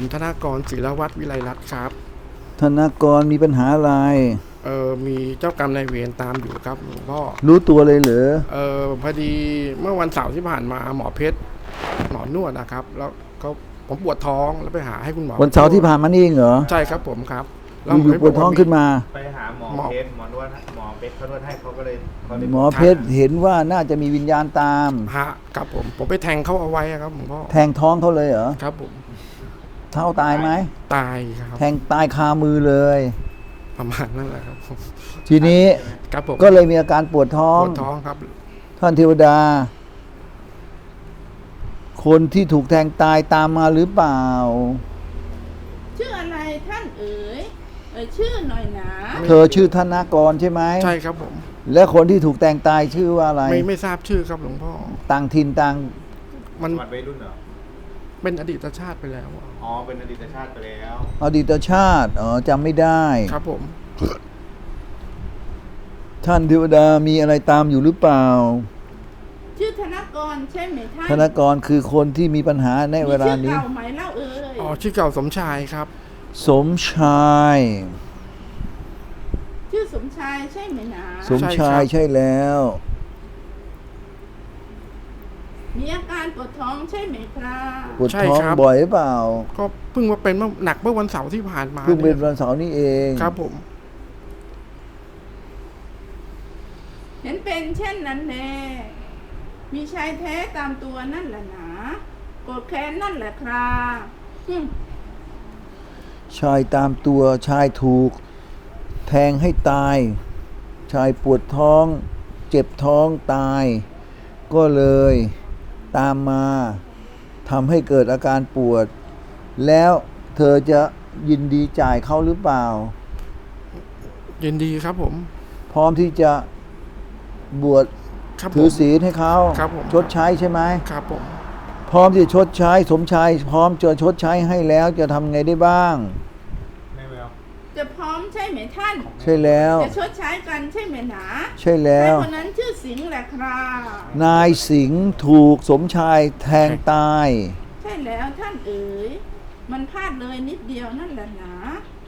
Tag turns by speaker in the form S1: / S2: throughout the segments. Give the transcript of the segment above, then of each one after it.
S1: ธนากรศิลวัฒน์วิไลรัตน์ครับ
S2: ธนากรมีปัญหาอะไร
S1: มีเจ้ากรรมนายเวรตามอยู่ครับหลวงพ่อ
S2: รู้ตัวเลยเหรอ
S1: พอดีเมื่อวันเสาร์ที่ผ่านมาหมอเพชรหมอนวดนะครับแล้วผมปวดท้องแล้วไปหาให้คุณหมอ
S2: วันเสาร์ที่ผ่านมานี่เองเหรอ
S1: ใช่ครับผมครับ
S2: แล้วอยู่ปวดท้องขึ้นมา
S3: ไปหาหมอเพชรหมอนวดหมอเพชรเขานวดให้เขาก็เลย
S2: หมอเพชรเห็นว่าน่าจะมีวิญญาณตาม
S1: ฮะครับผมไปแทงเขาเอาไว้ครับหลวงพ่อ
S2: แทงท้องเขาเลยเหรอ
S1: ครับผม
S2: เท่าตายไหม
S1: ตายครับ
S2: แทงตายคามือเลย
S1: ประมาณนั้นแหละครับ
S2: ทีนี้
S1: ครับผม
S2: ก็เลยมีอาการปวดท้อง
S1: ครับ
S2: ท่านเทวดาคนที่ถูกแทงตายตามมาหรือเปล่า
S4: ชื่ออะไรท่านชื่อหน่อยนะ
S2: เธอชื่อธนากรใช่ไหม
S1: ใช่ครับผม
S2: และคนที่ถูกแทงตายชื่อว่าอะไร
S1: ไม่ทราบชื่อครับหลวงพ่อ
S2: ต่างถิ่นต่าง
S1: มัน
S3: วัยรุ่นเหรอ
S1: เป็นอดีตชาติไปแล้ว
S3: อ๋อเป็นอดีตชาติไปแล้ว
S2: อดีตชาติจำไม่ได้
S1: ครับผม
S2: ท่านเทวดามีอะไรตามอยู่หรือเปล่า
S4: ชื่อธนากรใช่ไหมท่าน
S2: ธนากรคือคนที่มีปัญหาในเวลานี้
S4: ชื่อเก่าไหมเล่า
S1: ชื่อเก่าสมชายครับ
S2: สมชาย
S4: ชื่อสมชายใช่ไหมนะ
S2: สมชายใช่แล้ว
S4: มีอาการปวดท้องใช่ไหมครับ
S2: ปวดท้องบ่อยหรือเปล่า
S1: ก็เพิ่งมาเป็นหนักเมื่อวันเสาร์ที่ผ่านมา
S2: เพิ่งเป็นวันเสาร์นี่เอง
S1: ครับผม
S4: เห็นเป็นเช่นนั้นแน่มีชายแท้ตามตัวนั่นแหละนะโกรธแค้นนั่นแหละครับ
S2: ชายตามตัวชายถูกแทงให้ตายชายปวดท้องเจ็บท้องตายก็เลยตามมาทำให้เกิดอาการปวดแล้วเธอจะยินดีจ่ายเขาหรือเปล่า
S1: ยินดีครับผม
S2: พร้อมที่จะบวชถือศีลให้เขาชดใช้ใช่ไหม
S1: ครับผม
S2: พร้อมที่จะชดใช้สมชายพร้อมจะชดใช้ให้แล้วจะทำไงได้บ้าง
S4: จะพร้อมใช่ไหมท่าน
S2: ใช่แล้ว
S4: จะชดใช้กันใช่ไหมหนา
S2: ใช่แล้ว
S4: คนนั้นชื่อสิงห์แหละครับ
S2: นายสิงห์ถูกสมชายแทงตาย
S4: ใช่แล้วท่านมันพลาดเลยนิดเดียวนั่นแหละหนา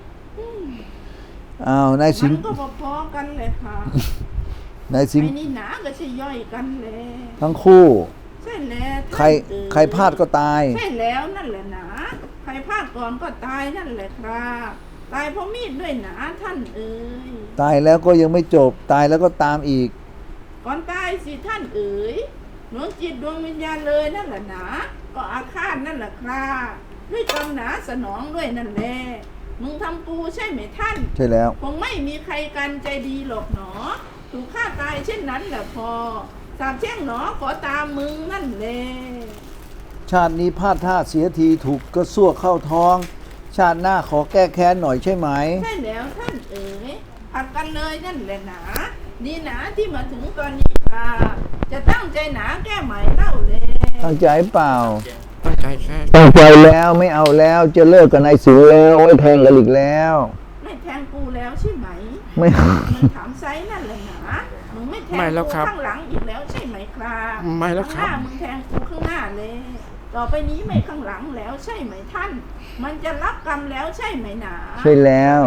S2: นายสิงห์
S4: มันก็พอๆกันเลยค่ะ
S2: นายสิงห์
S4: ไอ้นี่หนาก็ใช่ย่อยกันเลย
S2: ทั้งคู่
S4: ใช่แล้ว
S2: ใครพลาดก็ตาย
S4: ใช่แล้วนั่นแหละหนาใครพลาดก่อนก็ตายนั่นแหละครับตายเพราะมีดด้วยหนาท่าน
S2: ตายแล้วก็ยังไม่จบตายแล้วก็ตามอีก
S4: ก่อนตายสิท่านดวงจิตดวงวิญญาณเลยนั่นแหละหนาก็อาฆาตนั่นแหละครับด้วยกรรมหนาสนองด้วยนั่นแหละมึงทำกูใช่ไหมท่าน
S2: ใช่แล้ว
S4: คงไม่มีใครกันใจดีหรอกหนอถูกฆ่าตายเช่นนั้นแหละพอสาบแช่งหนอขอตามมึงนั่นแหละ
S2: ชาตินี้พลาดท่าเสียทีถูกกระซวกเข้าท้องชาติหน้าขอแก้แค้นหน่อยใช่ไหม
S4: ใช่แล้วท่านผัดกันเลยนั่นแหละหนาดีหนาที่มาถึงตอนนี้ค่ะจะตั้งใจหนาแก้ไหมเล่าเลย
S2: ตั้งใจเปล่า
S1: ตั้งใจแค่
S2: ตั้งใจแล้วไม่เอาแล้วจะเลิกกับนายสิงห์แล้วไม่แทงกันอีกแล้ว
S4: ไม่แทงกูแล้วใช่ไหม
S2: ไม่
S4: ถามไซนั่นแหละหนามึงไม่แทงกูข้างหลังอีกแล้วใช่ไหมครับ
S1: ไม่แล้วครับ
S4: ข้างหน้ามึงแทงกูข้างหน้าเลยต่อไปนี้ไม่ข้างหลังแล้วใช่ไหมท่านมันจะรับกรรมแล้วใช่ไหมหนา
S2: ใช่แล้ว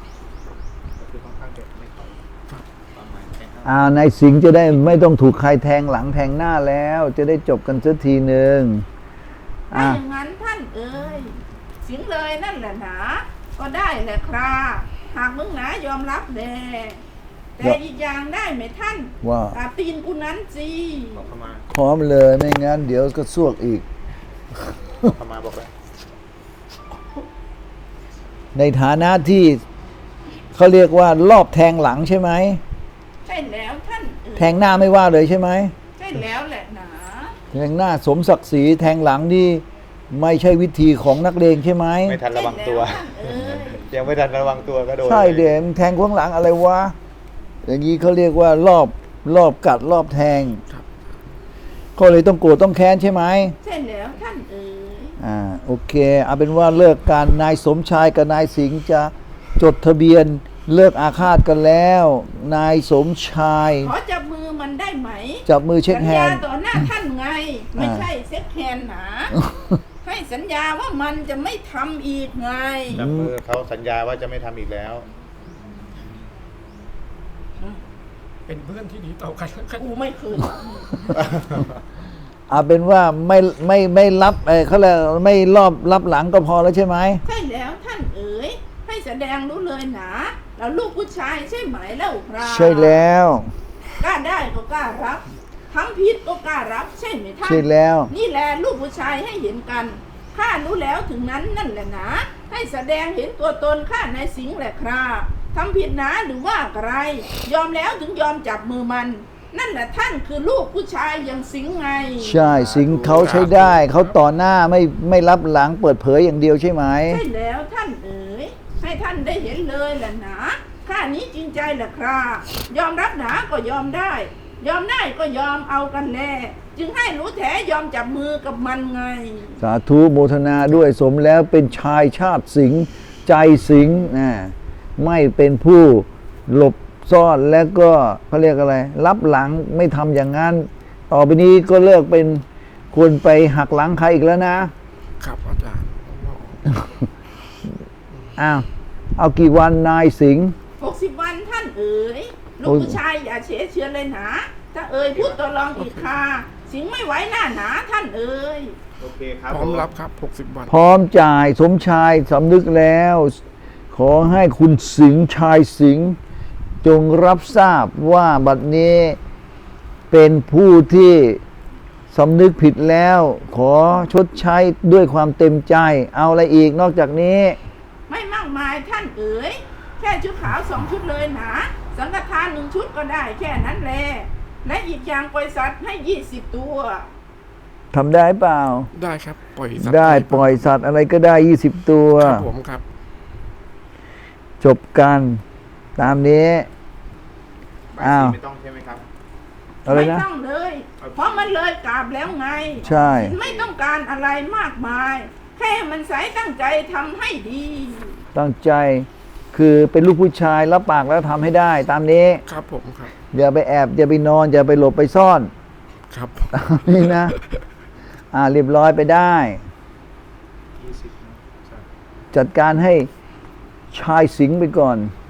S2: นายสิงห์จะได้ไม่ต้องถูกใครแทงหลังแทงหน้าแล้วจะได้จบกันสักทีหนึ่ง
S4: ถ้าอย่างนั้นท่านสิงห์เลยนั่นแหละหนาก็ได้แหละครับหากมึงหนายอมรับแต่อีกอย่างได้ไหมท่าน
S2: ว่า
S4: ตีนกูนั้นสิ
S2: พร้อมเลยไม่งั้นเดี๋ยวก็ซวกอีก
S3: ประมาณบอกเลย
S2: ในฐานะที่เขาเรียกว่ารอบแทงหลังใช่ไหม
S4: ใช่แล้วท่าน
S2: แทงหน้าไม่ว่าเลยใช่ไหม
S4: ใช่แล้วแหละหนา
S2: แทงหน้าสมศักดิ์ศรีแทงหลังนี่ไม่ใช่วิธีของนักเลงใช่ไหม
S3: ไม่ทันระวังตัวยังไม่ทันระวังตัวก็โดน
S2: ใช่เดี๋ยวแทงข้างหลังอะไรวะอย่างนี้เขาเรียกว่ารอบกัดรอบแทงก็เลยต้องโกรธต้องแค้นใช่ไหม
S4: ใช่แล้วท่าน
S2: โอเคเอาเป็นว่าเลิกการนายสมชายกับนายสิงห์จะจดทะเบียนเลิกอาฆาตกันแล้วนายสมชาย
S4: ขอจับมือมันได้ไหม
S2: จับมือเช็คแฮนด์
S4: ต่อหน้าท่านไงไม่ใช่เช็คแฮนด์หนาให้สัญญาว่ามันจะไม่ทำอีกไง
S3: จับมือเขาสัญญาว่าจะไม่ทำอีกแล้ว
S1: เป็นเพื่อนที่ดีต่อกันแล้วกัน
S4: กูไม่คืน
S2: เอาเป็นว่าไม่รับเขาเรียกไม่รอบรับหลังก็พอแล้วใช่ไหม
S4: ใช่แล้วท่านเอ๋ยให้แสดงรู้เลยหนาแล้วลูกผู้ชายใช่ไหมเล่าครับ
S2: ใช่แล้ว
S4: กล้าได้ก็กล้ารับทำผิดก็กล้ารับใช่ไหมท่าน
S2: ใช่แล้ว
S4: นี่แหละลูกผู้ชายให้เห็นกันข้ารู้แล้วถึงนั้นนั่นแหละนะให้แสดงเห็นตัวตนข้าในสิงห์แหละครับทำผิดหนาหรือว่าอะไรยอมแล้วถึงยอมจับมือมัน นั่นแหละท่านคือลูกผู้ชายอย่างสิงห์ไง
S2: ใช่สิงห์เขาใช้ได้เขาต่อหน้าไม่รับหลังเปิดเผยอย่างเดียวใช่ไหม
S4: ใช่แล้วท่านเอ๋ยให้ท่านได้เห็นเลยแหละนะข้านี้จริงใจแหละครับยอมรับหนาก็ยอมได้ ยอมได้ก็ยอมเอากันแน่จึงให้รู้แท้ยอมจับมือกับมันไง
S2: สาธุโมทนาด้วยสมแล้วเป็นชายชาติสิงห์ใจสิงห์นะไม่เป็นผู้หลบซ่อนและก็เขาเรียกอะไร รับหลังไม่ทำอย่างนั้น ต่อไปนี้ก็เลิกเป็นคนไปหักหลังใครอีกแล้วนะครับ
S1: อาจารย์
S2: อ้าวเอากี่วันนายสิงห์
S4: 60 วันท่านเอ๋ยลูกผู้ชายอย่าเฉยเชือนเลยหนาถ้าเอ๋ยพูดตัวรองอีกค่ะสิงไม่ไหวหน้าหนาท่านเอ๋ย
S3: โอเคครับ
S1: พร้อมรับครับ60 วัน
S2: พร้อมจ่ายสมชายสำนึกแล้ว ขอให้คุณสิงห์ชายสิงห์จงรับทราบว่าบัดนี้เป็นผู้ที่สำนึกผิดแล้ว ขอชดใช้ด้วยความเต็มใจ เอาอะไรอีกนอกจากนี้
S4: ไม่มากมายท่านเอ๋ยแค่ชุดขาว2 ชุดเลยหนาสังฆทาน1 ชุดก็ได้แค่นั้นแหละและอีกอย่างปล่อยสัตว์ให้20 ตัว
S2: ทำได้เปล่า
S1: ได้ครับ ปล่อยสัตว์
S2: ได้ปล่อยสัตว์อะไรก็ได้ 20 ตัว
S1: ครับผมครับ
S2: จบกันตามนี้
S3: ใบ
S2: อ้าว
S3: สีไม่ต้องใช่ไหมครับ
S2: อะไร
S4: ไม่
S2: นะ
S4: ต้องเลย เพราะมันเลยกราบแล้วไง
S2: ใช่
S4: ไม่ต้องการอะไรมากมาย แค่มันใสตั้งใจทำให้ดี
S2: ตั้งใจคือเป็นลูกผู้ชายรับปากแล้วทำให้ได้ตามนี้
S1: ครับผมครับ
S2: อย่าไปแอบอย่าไปนอนอย่าไปหลบไปซ่อน
S1: ครับ
S2: ตามนี้นะ เรียบร้อยไปได้
S3: 20นะใช่
S2: จัดการให้ชายสิงห์ไปก่อน